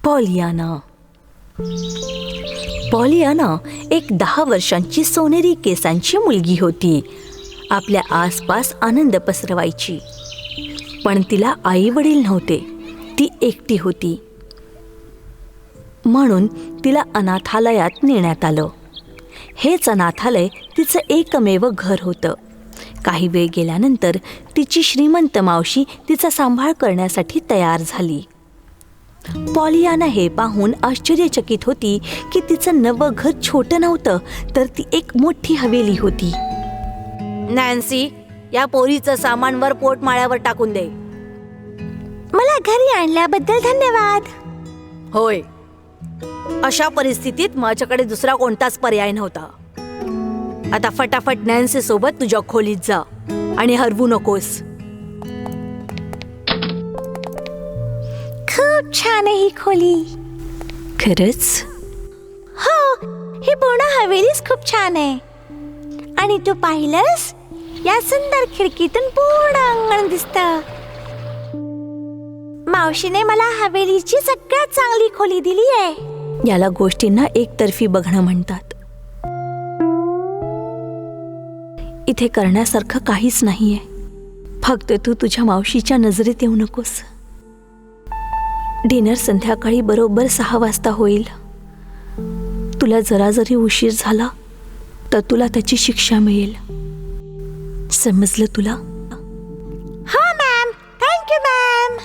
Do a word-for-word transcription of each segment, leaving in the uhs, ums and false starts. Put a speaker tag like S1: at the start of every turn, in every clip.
S1: Pollyanna. Pollyanna एक दहा वर्षांची सोनेरी केसांची मुलगी होती. आपल्या आसपास आनंद पसरवायची. पण तिला आई वडील नव्हते. ती एकटी होती. म्हणून तिला अनाथालयात नेण्यात आलं. हेच अनाथालय तिचं एकमेव घर होतं. काही वेळ गेल्यानंतर तिची श्रीमंत मावशी तिचा सांभाळ करण्यासाठी तयार झाली. पॉलियाना हे पाहून आश्चर्यचकित होती की तिचं नवं घर छोटं नव्हतं, तर ती एक मोठी हवेली होती. नॅन्सी, या पोरीचं सामान वर पोटमाळ्यावर टाकून दे.
S2: मला घरी आणल्याबद्दल धन्यवाद.
S1: होय, अशा परिस्थितीत माझ्याकडे दुसरा कोणताच पर्याय नव्हता. आता फटाफट नॅन्सी सोबत तुझ्या खोलीत जा आणि हरवू नकोस.
S2: खूप छान आहे ही खोली.
S1: खरंच?
S2: हो, ही पूर्ण हवेलीच खूप छान आहे. आणि तू पाहिलंस, या सुंदर खिडकीतून पूर्ण अंगण दिसतं. मावशीने मला हवेलीची सगळ्यात चांगली खोली दिली आहे.
S1: याला गोष्टींना एकतर्फी बघणं म्हणतात. इथे करण्यासारखं काहीच नाहीये. फक्त तू तुझ्या मावशीच्या नजरेत येऊ नकोस. डिनर संध्याकाळी बरोबर सहा वाजता होईल. तुला जरा जरी उशीर झाला तर तुला त्याची शिक्षा मिळेल. समजलं तुला?
S2: हो मॅम. Thank you ma'am.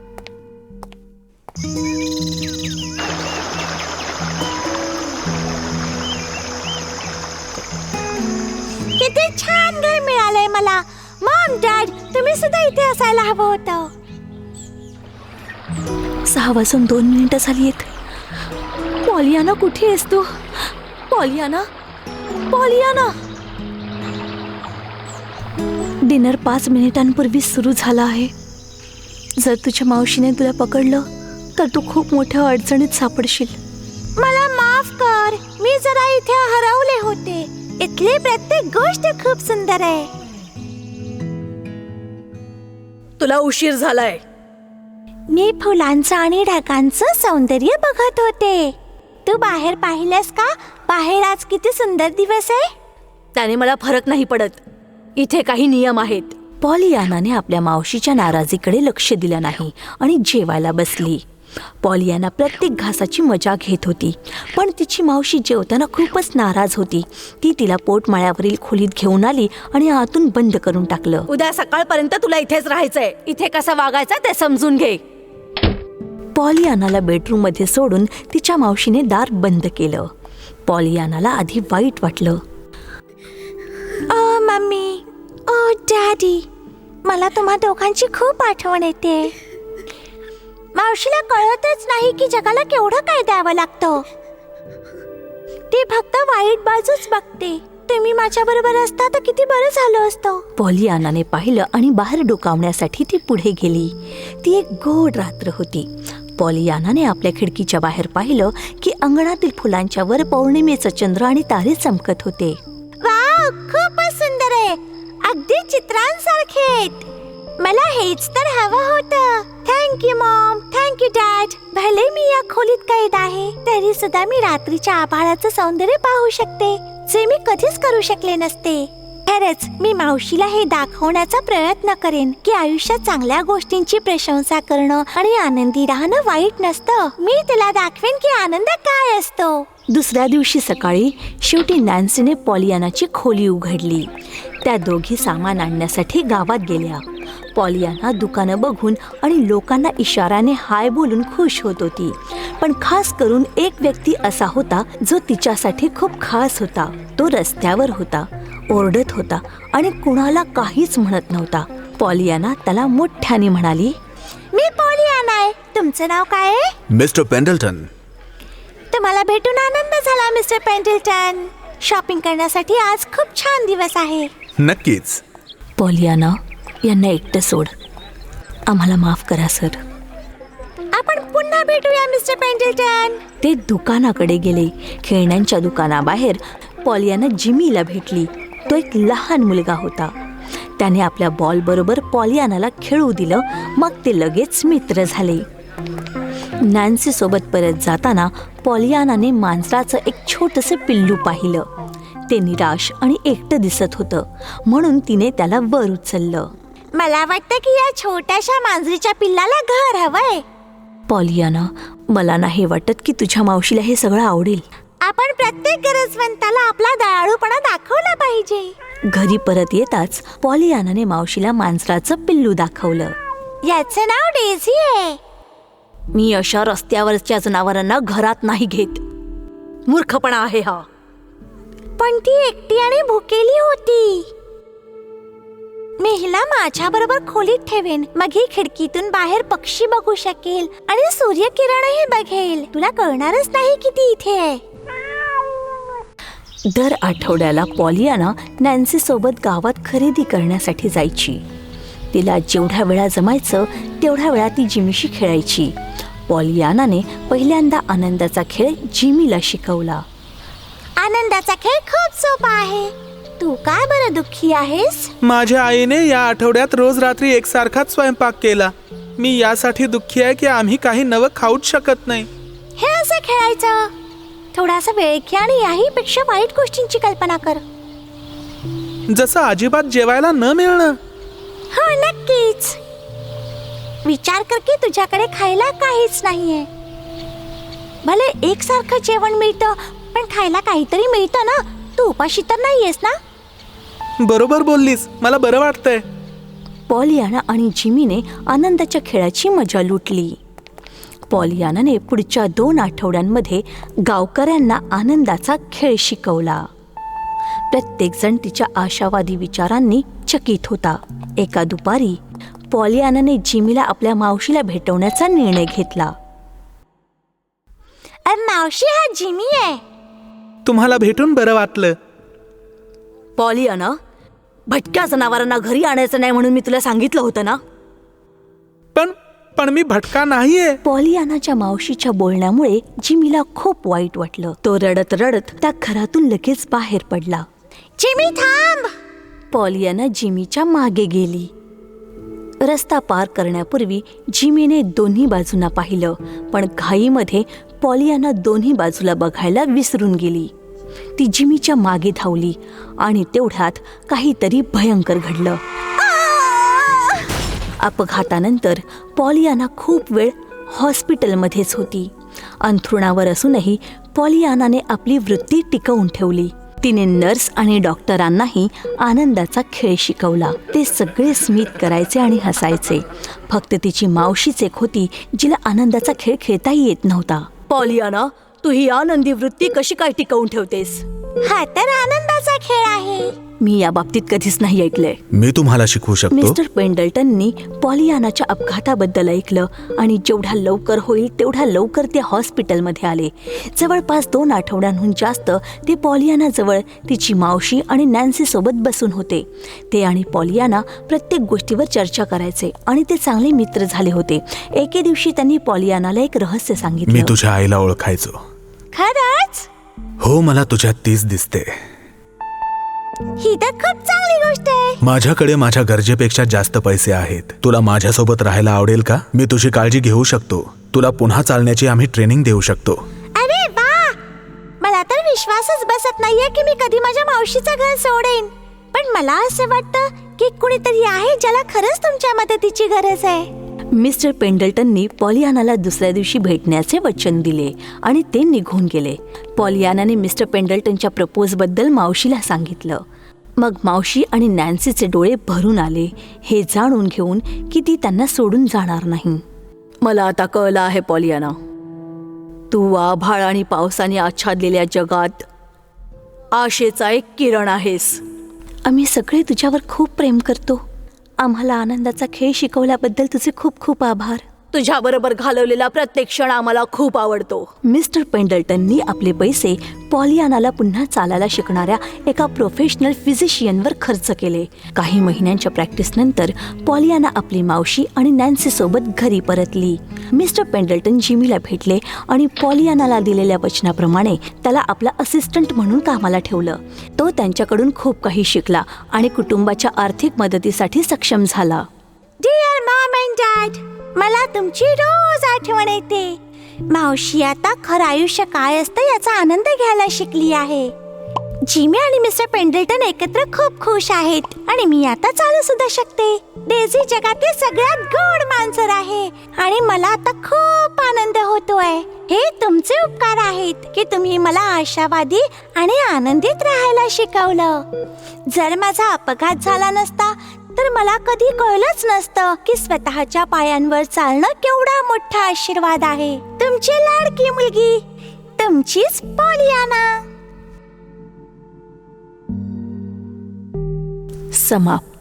S2: किती छान घर मिळालंय मला. मॉम, डॅड, तुम्ही सुद्धा इथे असायला हवं होतं.
S1: सहा वाजून दोन मिनिटं झाली आहेत. पॉलियाना, कुठे आहेस तू? Pollyanna, Pollyanna. डिनर पाच मिनिटांपूर्वी सुरू झाला आहे. जर तुझ्या मावशीने तुला पकडलं तर तू खूप मोठ्या अडचणीत सापडशील.
S2: मला माफ कर. मी जरा इथे हरवले होते. इथली प्रत्येक गोष्ट खूप सुंदर आहे.
S1: तुला उशीर झालाय.
S2: मी फुलांचं आणि ढगांचं सौंदर्य बघत होते. तू बाहेर पाहिलंस का? बाहेर आज किती सुंदर दिवस आहे.
S1: त्याने मला फरक नाही पडत. इथे काही नियम आहेत. पॉलियानाने आपल्या मावशीच्या नाराजीकडे लक्ष दिलं नाही आणि जेवायला बसली. पॉलियाना प्रत्येक घासाची मजा घेत होती, पण तिची मावशी जेवताना खूपच नाराज होती. ती तिला पोटमाळ्यावरील खोलीत घेऊन आली आणि आतून बंद करून टाकलं. उद्या सकाळपर्यंत तुला इथेच राहायचंय. इथे कसं वागायचं ते समजून घे. पॉलियानाला बेडरूम मध्ये सोडून तिच्या मावशीने दार बंद केलं. पॉलियानाला आधी वाईट वाटलं.
S2: ओ मम्मी, ओ डॅडी, मला तुम्हा दोघांची खूप आठवण येते. मावशीला कळतच नाही की जगाला केवढं काय द्यावं लागतं. ती फक्त वाईट बाजूच बघते. तुम्ही माझ्या बरोबर असता तर किती बरं झालं असतं.
S1: पॉलियानाने पाहिलं आणि बाहेर डोकावण्यासाठी ती पुढे गेली. ती एक गोड रात्र होती. पॉलियानाने आपल्या खिडकीच्या बाहेर पाहिलं की अंगणातील फुलांच्या वर पौर्णिमेचं चंद्र आणि तारे चमकत होते.
S2: वाव, खूपच सुंदर आहे. अगदी चित्रांसारखे आहेत. मला हेच तर हवं होतं. Thank you mom. Thank you dad. भले मी या खोलीत कैद आहे, तरी सुद्धा मी रात्रीच्या आभाळाचं सौंदर्य पाहू शकते, जे मी कधीच करू शकले नसते. खरंच मी मावशीला हे दाखवण्याचा प्रयत्न करेन की आयुष्यात चांगल्या गोष्टींची प्रशंसा करणं आणि आनंदी राहणं वाईट नसतं. मी तिला दाखवेन की आनंद काय असतो.
S1: दुसऱ्या दिवशी सकाळी शेवटी नॅन्सीने पॉलियानाची खोली उघडली. त्या दोघी सामान आणण्यासाठी गावात गेल्या. पॉलियाना दुकानं बघून आणि लोकांना इशाऱ्याने हाय बोलून खुश होत होती. पण खास करून एक व्यक्ती असा होता जो तिच्यासाठी खूप खास होता. तो रस्त्यावर होता, ओरडत होता आणि कुणाला काहीच म्हणत नव्हता. पॉलियाना त्याला मोठ्याने म्हणाली,
S2: मी पॉलियाना आहे. तुमचं नाव काय आहे?
S3: Mister Pendleton.
S2: तुम्हाला भेटून आनंद झाला मिस्टर पेंडल्टन. शॉपिंग करण्यासाठी आज खूप छान दिवस आहे.
S3: नक्कीच.
S1: पॉलियाना, यांना एकटं सोड. आम्हाला माफ करा सर.
S2: आपण पुन्हा भेटूया मिस्टर पेंडल्टन.
S1: ते दुकानाकडे गेले. खेळण्यांच्या दुकानाबाहेर पॉलियाना जिमीला भेटली. तो एक लहान मुलगा होता. त्याने आपल्या बॉल बरोबर पॉलियानाला खेळू दिलं. मग ते लगेच मित्र झाले. नॅन्सी सोबत परत जाताना पॉलियानाने मांजराचं एक छोटंसं पिल्लू पाहिलं. ते निराश आणि एकटं दिसत होतं, म्हणून तिने त्याला वर उचललं.
S2: मला वाटतं की या छोट्याशा मांजरीच्या पिल्लाला घर हवंय.
S1: पॉलियाना, मला नाही वाटत की तुझ्या मावशीला हे सगळं आवडेल.
S2: आपण प्रत्येक गरजवंताला आपला दयाळूपणा दाखवला पाहिजे.
S1: घरी परत येताच पॉलियानाने मावशीला मांजराचं पिल्लू दाखवलं.
S2: याचं नाव डेझी आहे.
S1: मी अशा रस्त्यावरच्या जनावरांना घरात नाही घेत. मूर्खपणा आहे हा.
S2: पण ती एकटी आणि भुकेली होती. मी हिला माझ्या बरोबर खोलीत ठेवेन. मग ही खिडकीतून बाहेर पक्षी बघू शकेल आणि सूर्यकिरणही बघेल. तुला कळणारच नाही की ती इथे आहे.
S1: दर आठवड्याला पॉलियाना नॅन्सी सोबत गावात खरेदी करण्यासाठी जायची. तिला जेवढ्या वेळा जमायचं तेवढ्या वेळा ती जिमीशी खेळायची. पॉलियानाने पहिल्यांदा आनंदाचा खेळ जिमीला शिकवला.
S2: आनंदाचा खेळ खूप सोपा आहे. तू काय बरं दुःखी आहेस?
S4: माझ्या आईने या आठवड्यात रोज रात्री एकसारखाच स्वयंपाक केला. मी यासाठी दुःखी आहे की आम्ही काही नवं खाऊच शकत नाही.
S2: हे असं खेळायचं. थोडासा वेळ घे आणि याहीपेक्षा वाईट गोष्टींची कल्पना कर.
S4: जसं अजिबात जेवायला न मिळणं.
S2: हो, नक्कीच. विचार कर की तुझ्याकडे खायला काहीच नाहीये. भले एकसारखं जेवण मिळतं, पण खायला काहीतरी मिळतं ना. तू उपाशी तर नाहीयेस ना?
S4: बरोबर बोललीस. मला बरं वाटतंय.
S1: पॉलियाना आणि जिमीने आनंदाच्या खेळाची मजा लुटली. पॉलियानाने पुढच्या दोन आठवड्यांमध्ये गावकऱ्यांना आनंदाचा खेळ शिकवला. प्रत्येकजण तिच्या आशावादी विचारांनी चकित होता. एका दुपारी पॉलियानाने जिमीला आपल्या मावशीला भेटवण्याचा निर्णय घेतला.
S2: मावशी, हा जिमी आहे.
S4: तुम्हाला भेटून बरं वाटलं.
S1: पॉलियाना, भटक्या जनावरांना घरी आणायचं नाही म्हणून मी तुला सांगितलं होतं ना.
S4: पण पण मी भटका नाहीये.
S1: पॉलियानाच्या मावशीच्या बोलण्यामुळे जिमीला खूप वाईट वाटलं. तो रडत रडत त्या घरातून लगेच बाहेर पडला.
S2: जिमी, थांब.
S1: पॉलियाना जिमीच्या मागे गेली. रस्ता पार करण्यापूर्वी जिमीने दोन्ही बाजूंना पाहिलं, पण घाईमध्ये पॉलियाना दोन्ही बाजूला बघायला विसरून गेली. ती जिमीच्या मागे धावली आणि तेवढ्यात काहीतरी भयंकर घडलं. अपघातानंतर पॉलियाना खूप वेळ हॉस्पिटलमध्येच होती. अंथरुणावर असूनही पॉलियानाने आपली वृत्ती टिकवून ठेवली. तिने नर्स आणि डॉक्टरांनाही आनंदाचा खेळ शिकवला. ते सगळे स्मित करायचे आणि हसायचे. फक्त तिची मावशीच एक होती जिला आनंदाचा खेळ खेळताही येत नव्हता. पॉलियाना, तू ही आनंदी वृत्ती कशी काय टिकवून ठेवतेस?
S2: हा तर आनंदाचा खेळ आहे.
S1: मी या बाबतीत कधीच नाही ऐकलंय.
S3: मी तुम्हाला शिकवू शकतो.
S1: मिस्टर पेंडल्टननी पॉलियानाच्या अपघाताबद्दल ऐकलं आणि जेवढ्या लवकर होईल तेवढ्या लवकर ते हॉस्पिटलमध्ये आले. जवळपास दोन आठवड्यांहून जास्त ते पॉलियानाजवळ तिची मावशी आणि नॅन्सी सोबत बसून होते. ते आणि पॉलियाना प्रत्येक गोष्टीवर चर्चा करायचे आणि ते चांगले मित्र झाले होते. एके दिवशी त्यांनी पॉलियानाला एक रहस्य
S3: मी
S1: सांगितलं.
S3: तुझ्या आईला ओळखायचो.
S2: खरंच?
S3: हो, मला तुझ्यात तीच दिसते.
S2: ही तर खूप चांगली गोष्ट आहे.
S3: माझ्याकडे माझ्या गरजेपेक्षा जास्त पैसे आहेत. तुला माझ्यासोबत राहायला आवडेल का? मी तुझी काळजी घेऊ शकतो. तुला पुन्हा चालण्याची आम्ही ट्रेनिंग देऊ शकतो.
S2: अरे वा, मला तर विश्वासच बसत नाहीये की मी कधी माझ्या मावशीचं घर सोडेन. पण मला असं वाटतं की कुणीतरी आहे ज्याला खरंच तुमच्या मदतीची गरज आहे.
S1: मिस्टर पेंडल्टननी पॉलियानाला दुसऱ्या दिवशी भेटण्याचे वचन दिले आणि ते निघून गेले. पॉलियानाने मिस्टर पेंडल्टनच्या प्रपोजबद्दल मावशीला सांगितलं. मग मावशी आणि नॅन्सीचे डोळे भरून आले, हे जाणून घेऊन की ती त्यांना सोडून जाणार नाही. मला आता कळलं आहे पॉलियाना, तू आभाळ आणि पावसाने आच्छादलेल्या जगात आशेचा एक किरण आहेस. आम्ही सगळे तुझ्यावर खूप प्रेम करतो. आम्हाला आनंदाचा खेळ शिकवल्याबद्दल तुझे खूप खूप आभार. तुझ्याबरोबर घालवलेला प्रत्येक क्षण आम्हाला खूप आवडतो. मिस्टर पेंडल्टननी आपले पैसे पॉलियानाला पुन्हा चालायला शिकणाऱ्या एका प्रोफेशनल फिजिशियनवर खर्च केले. काही महिन्यांच्या प्रॅक्टिसनंतर पॉलियाना आपली मावशी आणि नॅन्सी सोबत घरी परतली. मिस्टर पेंडल्टन जिमीला भेटले आणि पॉलियानाला दिलेल्या वचनाप्रमाणे त्याला आपला असिस्टंट म्हणून कामाला ठेवलं. तो त्यांच्याकडून खूप काही शिकला आणि कुटुंबाच्या आर्थिक मदतीसाठी सक्षम झाला.
S2: डिअर मॉम अँड डॅड, मला तुमची रोज आठवण येते. मावशी आता खरं आयुष्य काय असतं याचा आनंद घ्यायला शिकली आहे. जिमी आणि मिस्टर पेंडल्टन एकत्र खूप खुश आहेत आणि मी आता चालू सुद्धा शकते. डेझी जगातील सगळ्यात गोड मांजर आहे आणि मला आता खूप आनंद होतोय. हे तुमचे उपकार आहेत की तुम्ही मला आशावादी आणि आनंदित राहायला शिकवलं. जर माझा अपघात झाला नसता तर मला कधी कळलंच नसतं की स्वतःच्या पायांवर चालणं केवढा मोठा आशीर्वाद आहे. तुमची लाडकी मुलगी, तुमचीच पॉलियाना.
S1: समाप्त.